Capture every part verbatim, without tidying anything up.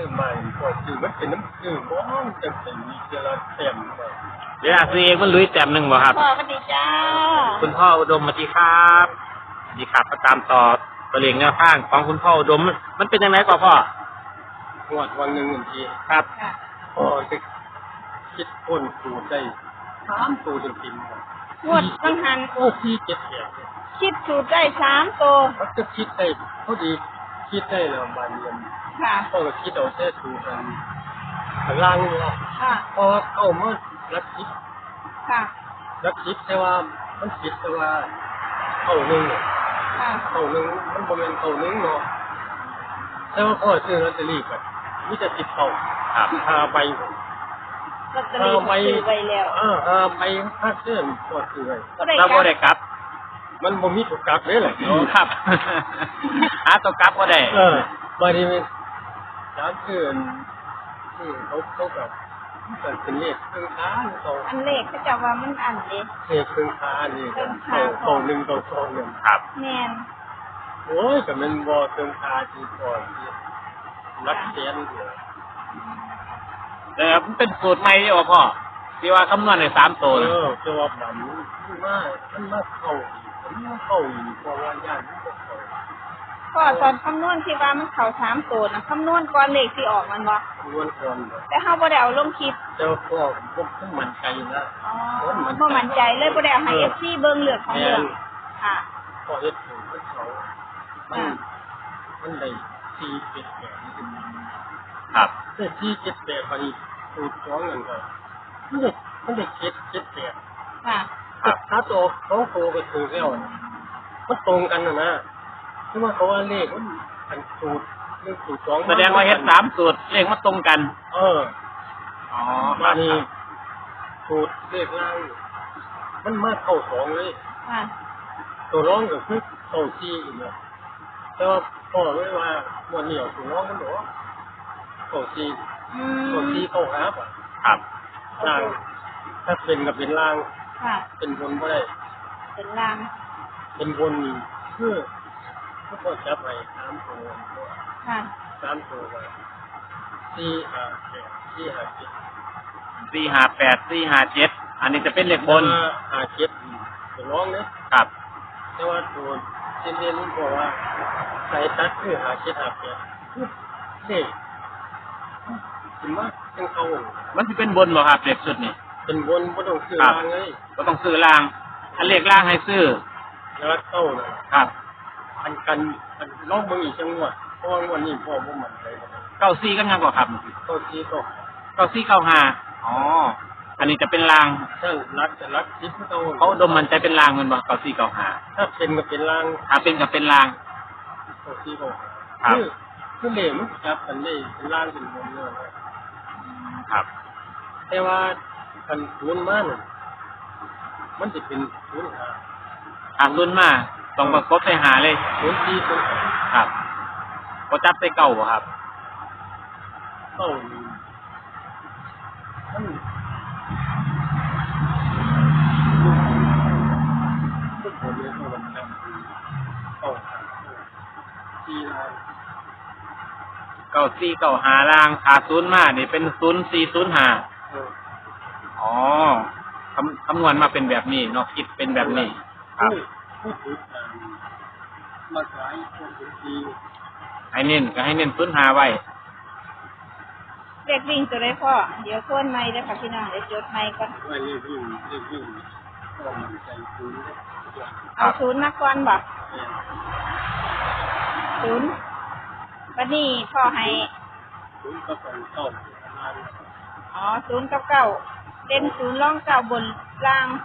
อใหม่พอซื้อมันเป็นน้ำซื้อบ้องจังเป็นมีเจริญเต็มเลยเดี๋ยวซื้อเองมันลุยแต้มหนึ่งบ่ครับพ่อสวัสดีจ้าคุณพ่ออุดมสวัสดีครับสวัสดีครับประตามต่อตัวเลขแนวทางของคุณพ่ออุดมมันเป็นยังไงก่อนพ่องวดวันหนึ่งบางทีครับพ่อจะคิดคนสูตรได้สามตัวจนพิมพ์งวดบางหันโอ้พี่เจ็ดแปดคิดสูตรได้สามตัวเขาจะคิดได้พอดีคิดได้แล้วบานเรียนค่ะพ่อก็คิดเอาแค่สูตรกันข้างล่างนี่แหละค่ะพอเข้ามารักคิดค่ะรักคิดแต่ว่ามันคิดแต่ว่าเข้าหนึ่งค่ะเข้าหนึ่งมันบริเวณเข้าหนึ่งเนาะแต่ว่าพ่อซื้อลอตเตอรี่กันมิจะติดเข้าหาใบลอตเตอรี่ซื้อไว้แล้วอ่าหาใบค่าเสื้อพ่อซื้อไว้เราบ่ได้กลับมันบ่มีตัวกลับเลยแหละครับหาตัวกลับบ่ได้เออบางทีมันร้านเกินที่เขาเขาแบบมันเป็นเลขเครื่องค้าเขาอันเลขเขาจะว่ามันอันเด้เลขเครื่องค้านี่เขาเขาหนึ่งเขาสองหนึ่งครับแม่นโอ้ยแต่มันบ่เครื่องค้าที่ก่อนที่รักแสนเดียวแต่มันเป็นสูตรใหม่ที่ว่าพ่อที่ว่าคำนวณในสามตัวเออจะว่ามันมากมันมากเข้ามันมากเข้าอีกเพราะว่าญาติมันก็เข้าพ่อตอนคำนวณที่ว่ามันเข้าสามตัวนะคำนวณก่อนเลขที่ออกมันบ่คำนวณก่อนแต่เฮาบ่ได้เอาลงคลิปแต่ว่าพ่อบ่ต้องมั่นใจนะอ๋อบ่มั่นใจเลยบ่ได้เอาให้ เอฟ ซี เบิ่งเลือกของเรื่องค่ะพอเฮ็ดถูกเขามันมันได้สี่เจ็ดแปดครับแต่สี่เจ็ดแปดพอดีสูตรสองนั่นก็มันได้มันได้เจ็ดเจ็ดแปดค่ะครับถ้าตัวเขาโตก็ถูกแล้วมันตรงกันนะนะคือว่าเขาว่าเลขมันอันสูตรเลขสูตรสองแสดงว่าเฮ็ดสามสูตรเลขมันตรงกันเอออ๋อมานี่สูตรเลขล่างมันมาเข้าสองเลยค่ะตัวร้องก็คือเข้าสี่อีกแล้วแต่ว่าพ่อไม่ว่าวันเหนียวตัวร้องมันบอกว่าเข้าสี่เข้าสี่เข้าหาป่ะครับล่างถ้าเป็นกับเป็นล่างเป็นบนก็ได้เป็นล่างเป็นบนเพื่อเพื่อจับไปสามตัวค่ะสามตัวไปสี่ห้าแปดสี่ห้าเจ็ดสี่ห้าแปดสี่ห้าเจ็ดอันนี้จะเป็นเลขบนห้าเจ็ดตัวร้องเนี่ยครับแต่ว่าตัวเจนเจนรู้บอกว่าใส่ตัดคือห้าเจ็ดห้าแปดเด็กถึงว่าเป็นเขามันจะเป็นบนบ่ครับเลขสุดนี่เป็นบนไม่ต้องซื้อล่างเลยก็ต้องซื้อล่างอันเลขล่างให้ซื้อแล้วเข้าเลยครับอันกันอันลองเบิ่งอีกจังหวะเพราะวันนี้พ่อบ่มั่นใจเก้าซี่กันยังกว่าครับเก้าซี่ก็เก้าซี่เก้าห้าอ๋ออันนี้จะเป็นล่างถ้ารักจะรักคิดเขาเขาดมมันใจเป็นล่างมันบ่เก้าซี่เก้าห้าถ้าเป็นก็เป็นล่างถ้าเป็นก็เป็นล่างเก้าซี่เก้าห้าคือคือเหลวมันจับกันได้เป็นล่างเป็นบนเลยครับแต่ว่าคันศูนย์มาน่ะมันจะเป็นศูนย์ห้าหาศูนย์มาต้องประกบใส่หาเลยศูนย์สี่ศูนย์ครับบ่จับใส่เก้าบ่ครับเก้ามันทุกคนเลยเขาแบบนั้นเก้าสี่ล้านเก้าสี่เก้าห้าล่างหาศูนย์มานี่เป็นศูนย์สี่ศูนย์ห้าอ๋อคำคำนวณมาเป็นแบบนี้เนาะคิดเป็นแบบนี้ครับมาขายคนดีให้เน้นก็ให้เน้นศูนย์ห้าไว้เด็กวิ่งตัวได้พ่อเดี๋ยวค้นไม้ได้ค่ะพี่น้องเดี๋ยวจดไม้ก่อนไว้เรียกวิ่งเรียกวิ่งก็มันใจศูนย์เอาศูนย์มาก่อนบ่ศูนย์วันนี้พ่อให้ศูนย์กับเก้าอ๋อศูนย์กับเก้าเด่นศูนย์ร่องเก้าบนล่าง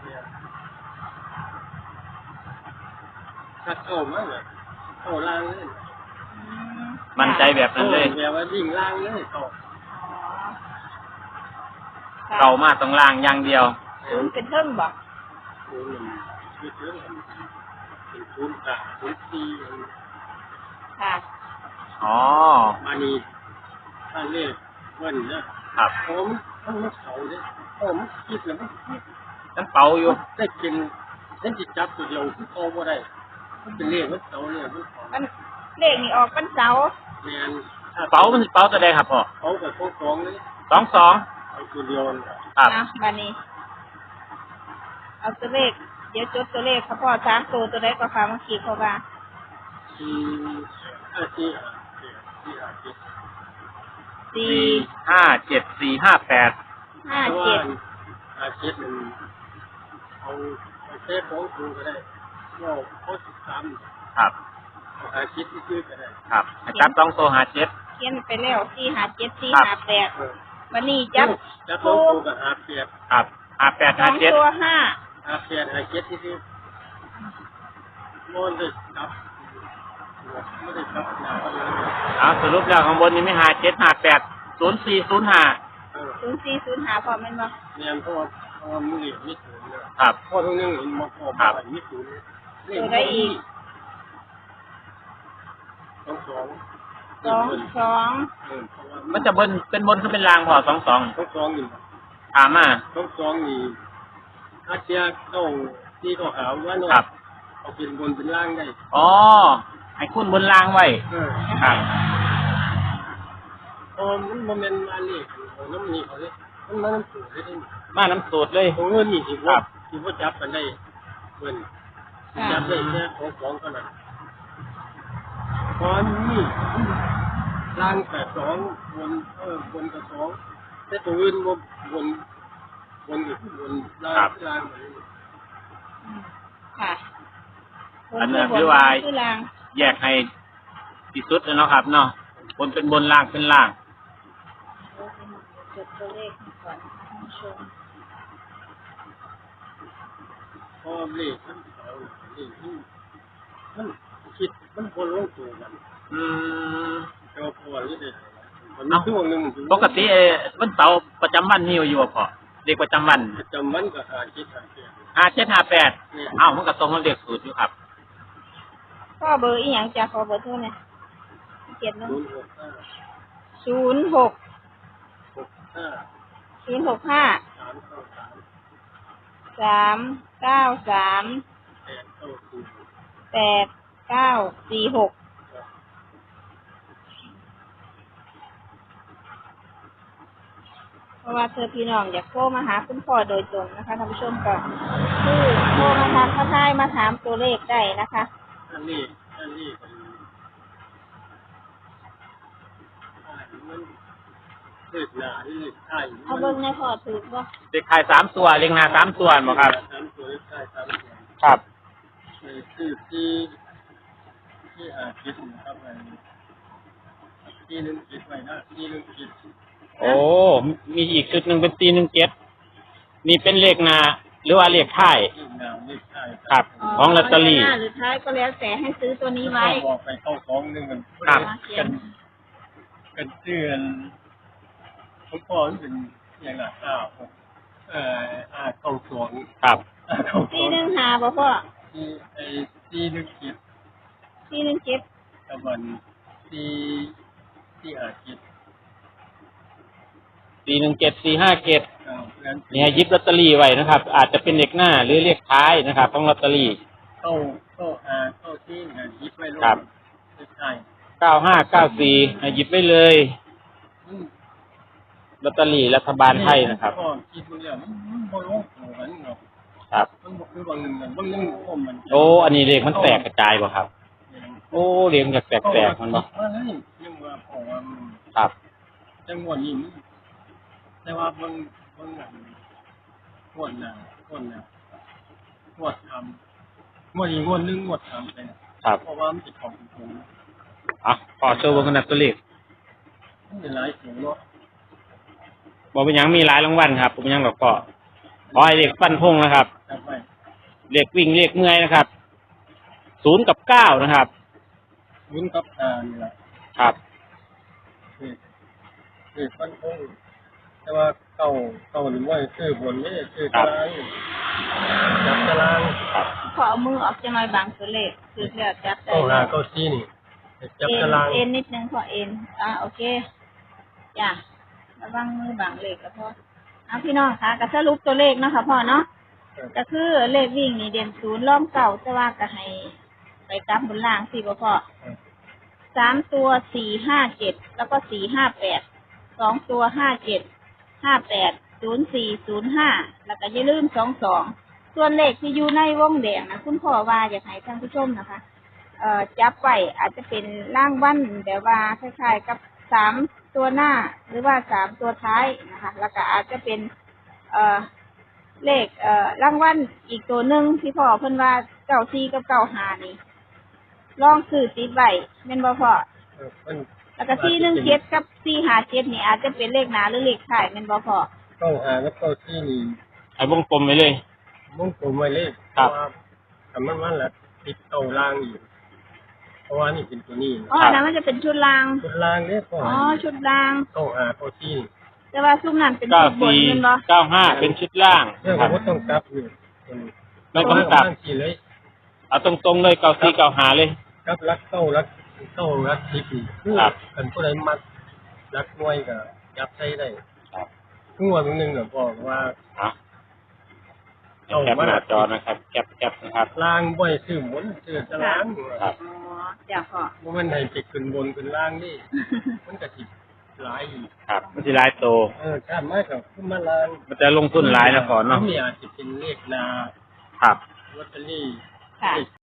ถ้าเข้ามาเลยเข้าล่างเลยมันใจแบบนั้นเลยแบบว่าวิ่งล่างเลยเข้าเก่ามาตรงล่างอย่างเดียวศูนย์เป็นเทิงบ่ศูนย์เป็นเทิงเป็นศูนย์กับศูนย์สี่ค่ะอ๋อมานี่ถ้าเรียกวันนะครับผมมันมันเขาเนี่ยผมคิดแล้วมันมันเป่าอยู่ได้กินเล่นจิตจับตัวเดียวที่เขาบ่ได้มันเป็นเลขมันเสาเนี่ยมันมันเลขนี่ออกเป็นเสาแมนเป๋ามันสิเป๋าตัวใดครับพ่อเขากับพวกสองนี่สองสองเอาตัวเดียวนะครับเอาบัดนี้ เอาตัวเลขเดี๋ยวจดตัวเลขครับพ่อสามตัวตัวใดก็ค่ะเมื่อกี้เขาว่าสี่ห้าสี่ห้าเจ็ดสี่ห้าเจ็ดสี่สี่ห้าเจ็ดสี่ห้าแปดห้าเพราะเจ็ว่าดห้าเจ็ดมันเอาเอาเซฟของคุณก็ได้ว่าเขาสิบสามครับเอาห้าเจ็ดที่ซื้อก็ได้ครับให้จับสองตัวหาเจ็ดเขียนไปแล้วสี่ห้าเจ็ดสี่ครับห้าแปดเออวันนี้จับจับสองตัวกับห้าเปียกครับหาแปดสอหาง เจ็ดตัวห้าห้าเปียกห้าเจ็ดที่ซื้อมันได้จับไม่ได้จับหนาเลยเอาสรุปแล้วข้างบนนี้ไม่หาเจ็ดหาแปดศูนย์สี่ศูนย์ห้าเออศูนย์สี่ศูนย์ห้าพอแม่นบ่เนี่ยเพราะว่าเพราะว่ามือเหลี่ยมมิดศูนย์เนี่ยครับพ่อทั้งนึงเห็นมาพอครัมาบมิดศูนย์ตัวใดอีกสองสองสองสองเออเพราะว่ามันจะบนเป็นบนขึ้นเป็นรางพอสองสองสองสองนี่ถามมาสองสองนี่อาเจียเข้าที่เขาหาว่าเนาะครับเอาเป็นบนเป็นล่างได้อ๋อให้คุณบนรางไว้เออครับเพราะมันโมเมนต์มาเลยของน้ำนี่เขาเลยมันมาน้ำสูงได้ดิมาน้ำสูตรเลยตรงเงินนี่ที่ครัว่าบที่ว่าจับกันได้เงินจับได้แค่ของสองเท่านั้นตอนนี้ล่างแปดสองบนเออบนกับสองแต่ตัวอื่นบนบนบนกับบนล่างล่างเหมือนค่ะอันนั้นคือว่าคือรางแยกให้ที่สุดเลยเนาะครับเนาะบนเป็นบนล่างเป็นล่างจดตัวเลขก่อนนะคะท่านผู้ชมพอเลขมันเสาเลขที่มันคิดมันคนลงตัวกันอืมแต่ว่าพอหรือเด็กมันมีช่วงหนึ่งปกติเอ่อวันเสาร์ประจำวันมีอยู่บ่พอเด็กประจำวันประจำวันก็หาคิดหาเสียห้าเจ็ดห้าแปดอ้าวมันก็ตรงกับเลขสูตรอยู่ครับพ่อเบอร์อีหยังจ้ะขอเบอร์โทรหน่อยเจ็ดเนาะศูนย์หกห้าศูนย์หกหกห้าศูนย์หกห้าสามเก้าสามสามเก้าสามแปดเก้าสี่แปดเก้าสี่หกเพราะว่าเธอพี่น้องอยากโทรมาหาคุณพ่อโดยตรงนะคะท่านผู้ชมก็คือโทรมาทางข้าท้ายมาถามตัวเลขได้นะคะอันนี้อันนี้เป็นมันเลขหนาที่เลขไทยเอาเบิ้งในพ่อถือบ่เด็กขายสามตัวเลี้ยงนาสามตัวบ่ครับสามตัวเลขไทยสามตัวครับคือที่ที่หาคิดนะครับไอ้ที่หนึ่งคิดไว้นะที่หนึ่งคิดโอ้มีอีกชุดหนึ่งเป็นตีหนึ่งเจ็ดนี่เป็นเลขนาหรือว่าเลขท้ายที่นามเลขไทยครับ ของลอตเตอรี่หน้าหรือท้ายก็แล้วแต่ให้ซื้อตัวนี้ไว้บอกไปเข้าสองหนึ่งกันครับกันกันเชื่อนผมพอมันเป็นอย่างหนักอ้าวเอ่ออาเข้าสองครับอาเข้าสที่องหนึ่งหาบ่พ่อที่ไอ้ที่หนึ่งคิดที่หนึ่งเจ็ดกับวันที่ที่หาคิดสี่หนึ่งเจ็ดสี่ห้าเจ็ดเอางั้นเนี่ยหยิบลอตเตอรี่ไว้นะครับ อาจจะเป็นเลขหน้าหรือเลขท้ายนะครับของลอตเตอรี่เข้าเข้าหาเข้าที่งานยิบไว้ลงครับใช่เก้าห้าเก้าสี่หยิบไว้เลยอืมลอตเตอรี่รัฐบาลไทยนะครับก็คิดมันแล้วมันมันบ่ลงตัวกันเนาะครับมันบ่คือบางหนึ่งกันบางหนึ่งผมมันโอ้อันนี้เลขมันแตกกระจายบ่ครับ โอ้เลขจากแตกๆมันบ่ว่าเลยยังว่าเพราะว่ามันครับจังหวะนี้มันแต่ว่าบางบางอย่างงวดหน้างวดหน้างวดทำงวดอีกงวดหนึงงวดทำไปนะครับ เพราะว่ามันจะของผมอ่ะขอโชว์เบนกันนะตัวเลขมันเป็นหลายสูงเนาะบอกเป็นหยังมีหลายรางวัลครับผมยังหรอกก็ขอให้เลขฟันพงนะครับจำไว้เลขวิ่งเลขเมื่อยนะครับศูนย์กับเก้านะครับวุ้นกับอ่านี่แหละครับคือคือฟันคงแต่ว่าเก่าเก่าหรือว่าคือบนนี่คือตารางจับตารางขอเอามือออกจะมาบางตัวเลขคือแล้วจับได้เก้าหาเก้าซี่นี่จับเอ็นตารางเอ็นนิดนึงพอเอ็นอ่าโอเคจ้ะระวังมือบางเลขก็พอเอาพี่น้องคะก็สรุปตัวเลขเนาะค่ะพ่อเนาะก็คือเลขวิ่งนี่เด่นศูนย์ล้อมเก่าแต่ว่าก็ให้ไปกลับบนล่างสิบ่พ่อสามตัวสี่ห้าเจ็ดแล้วก็สี่ห้าแปดสองตัวห้าเจ็ดห้าแปดศูนย์สี่ศูนย์ห้าแล้วก็อย่าลืมสองสองส่วนเลขที่อยู่ในวงแดงนะคุณพ่อว่าอยากให้ท่านผู้ชมนะคะ เอ่อจับไว้อาจจะเป็นร่างวันแบบว่าคล้ายๆกับสามตัวหน้าหรือว่าสามตัวท้ายนะคะ แล้วก็อาจจะเป็น เอ่อเลขเอ่อร่างวันอีกตัวหนึ่งที่พ่อเพิ่นว่าเก้าสี่กับเก้าห้านี่ลองซื้อติดไว้แม่นบ่พ่อเออมันแล้วก็สี่หนึ่งเจ็ดกับสี่ห้าเจ็ดนี่อาจจะเป็นเลขหน้าหรือเลขท้ายแม่นบ่พ่อเก้าหาแล้วเก้าที่นี่ให้วงกลมไปเลยมุ่งตัวไว้เลยครับเพาะว่าทำมันมันละติดเก้าล่างอยู่เพราะว่านี่เป็นตัวนี้อ๋ออันนั้นมันจะเป็นชุดรางชุดล่างเนี่ยก็อ๋อชุดรางเก้าหาเก้าที่แต่ว่าซุ้มนั้นเป็นเก้าชุดบนสี่แม่นบ่เก้าห้าเป็นชุดล่างเรื่องครับว่าต้องกลับอยู่เป็นไม่ต้องกลับางทีเลยเอาตรงๆเลยเก้าสี่เก้าห้าเลยกลับรักเก้ารักเก้ารักทิพย์นี่คือครับเป็นผู้ใดมัดรักหน่วยก็ยับใช้ได้ครับทุกวันหนึ่งก็บอกว่าอ่ะแคปหน้าจอนะครับแคปแคปนะครับล่างบ่อยซื้อหมุนซื้อจะล้างครับอ๋อจ้ะพ่อบ่แมันให้ไปขึ้นบนขึ้นล่างนี่ มันก็สิหลายอีกครับมันจะลายโตเออถ้ามากกับขึ้นมาล่างมันจะลงทุนหลายนะก่อนเนาะมัอาจจะเป็นเลขนาครับลอตเตอรี่ค่ะเลข